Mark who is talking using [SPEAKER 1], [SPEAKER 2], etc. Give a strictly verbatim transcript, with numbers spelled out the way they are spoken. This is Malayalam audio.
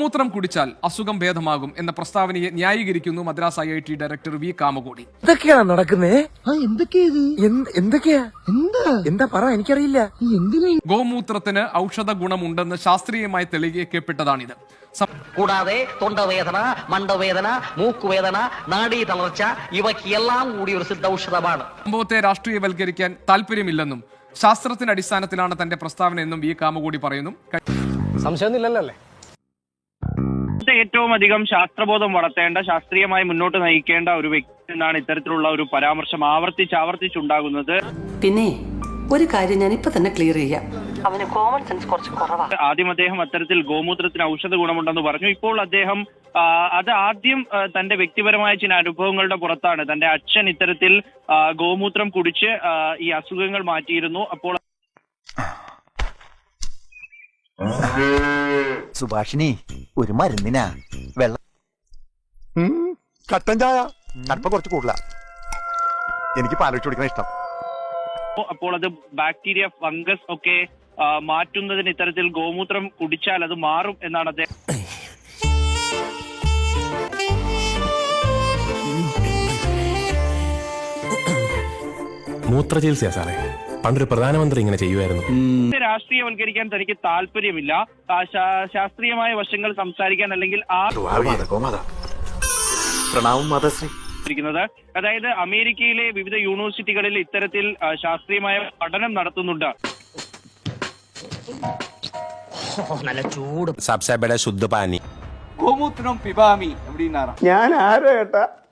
[SPEAKER 1] ഗോമൂത്രം കുടിച്ചാൽ അസുഖം ഭേദമാകും എന്ന പ്രസ്താവനയെ ന്യായീകരിക്കുന്നു Madras I I T director V Kamakoti.
[SPEAKER 2] എന്തൊക്കെയാണ് നടക്കുന്നേ? എന്തൊക്കെയാ എന്താ പറ, എനിക്കറിയില്ല.
[SPEAKER 1] ഗോമൂത്രത്തിന് ഔഷധ ഗുണമുണ്ടെന്ന് ശാസ്ത്രീയമായി തെളിയിക്കപ്പെട്ടതാണിത്.
[SPEAKER 3] കൂടാതെ തൊണ്ടവേദന, മണ്ടവേദന, മൂക്കുവേദന, നാഡീ തളർച്ച ഇവയ്ക്കെല്ലാം കൂടി ഒരു സിദ്ധ ഔഷധമാണ്.
[SPEAKER 1] സംഭവത്തെ രാഷ്ട്രീയവൽക്കരിക്കാൻ താല്പര്യമില്ലെന്നും ശാസ്ത്രത്തിന്റെ അടിസ്ഥാനത്തിലാണ് തന്റെ പ്രസ്താവന എന്നും വി കാമകോടി പറയുന്നു.
[SPEAKER 2] സംശയമൊന്നുമില്ലല്ലേ?
[SPEAKER 4] ഏറ്റവും അധികം ശാസ്ത്രബോധം വളർത്തേണ്ട, ശാസ്ത്രീയമായി മുന്നോട്ട് നയിക്കേണ്ട ഒരു വ്യക്തി എന്നാണ് ഇത്തരത്തിലുള്ള ഒരു പരാമർശം ആവർത്തിച്ച് ആവർത്തിച്ചുണ്ടാകുന്നത്.
[SPEAKER 5] പിന്നെ ഒരു കാര്യം ഞാൻ ഇപ്പൊ തന്നെ ക്ലിയർ ചെയ്യാം, അവന് കോമൺ സെൻസ് കുറച്ച് കുറവാണ്.
[SPEAKER 4] ആദ്യം അദ്ദേഹം അത്തരത്തിൽ ഗോമൂത്രത്തിന് ഔഷധ ഗുണമുണ്ടെന്ന് പറഞ്ഞു. ഇപ്പോൾ അദ്ദേഹം അത് ആദ്യം തന്റെ വ്യക്തിപരമായ ചില അനുഭവങ്ങളുടെ പുറത്താണ്. തന്റെ അച്ഛൻ ഇത്തരത്തിൽ ഗോമൂത്രം കുടിച്ച് ഈ അസുഖങ്ങൾ മാറ്റിയിരുന്നു. അപ്പോൾ
[SPEAKER 6] സുഭാഷിണി ഒരു മരുന്നിനാ വെള്ളം കട്ടൻ ചായ കടുപ്പം കുറച്ച് കൂടുതല, എനിക്ക് പാലൊഴിച്ച് കുടിക്കുന്ന ഇഷ്ടം.
[SPEAKER 4] അപ്പോൾ അത് ബാക്ടീരിയ, ഫംഗസ് ഒക്കെ മാറ്റുന്നതിന് ഇത്തരത്തിൽ ഗോമൂത്രം കുടിച്ചാൽ അത് മാറും എന്നാണ് അദ്ദേഹം.
[SPEAKER 7] മൂത്ര ചികിത്സ സാറേ, പണ്ടൊരു പ്രധാനമന്ത്രി ഇങ്ങനെ ചെയ്യുമായിരുന്നു.
[SPEAKER 4] രാഷ്ട്രീയവൽക്കരിക്കാൻ തനിക്ക് താല്പര്യമില്ല. ശാസ്ത്രീയമായ വശങ്ങൾ സംസാരിക്കാൻ അല്ലെങ്കിൽ ആ അതായത് അമേരിക്കയിലെ വിവിധ യൂണിവേഴ്സിറ്റികളിൽ ഇത്തരത്തിൽ ശാസ്ത്രീയമായ പഠനം നടത്തുന്നുണ്ട്.
[SPEAKER 3] നല്ല ചൂട്
[SPEAKER 7] സബ്സെ ബഡ ശുദ്ധ പാനി
[SPEAKER 8] ഗോമൂത്രം പിബാമി.
[SPEAKER 2] ഞാൻ ആരോ ഏട്ടാ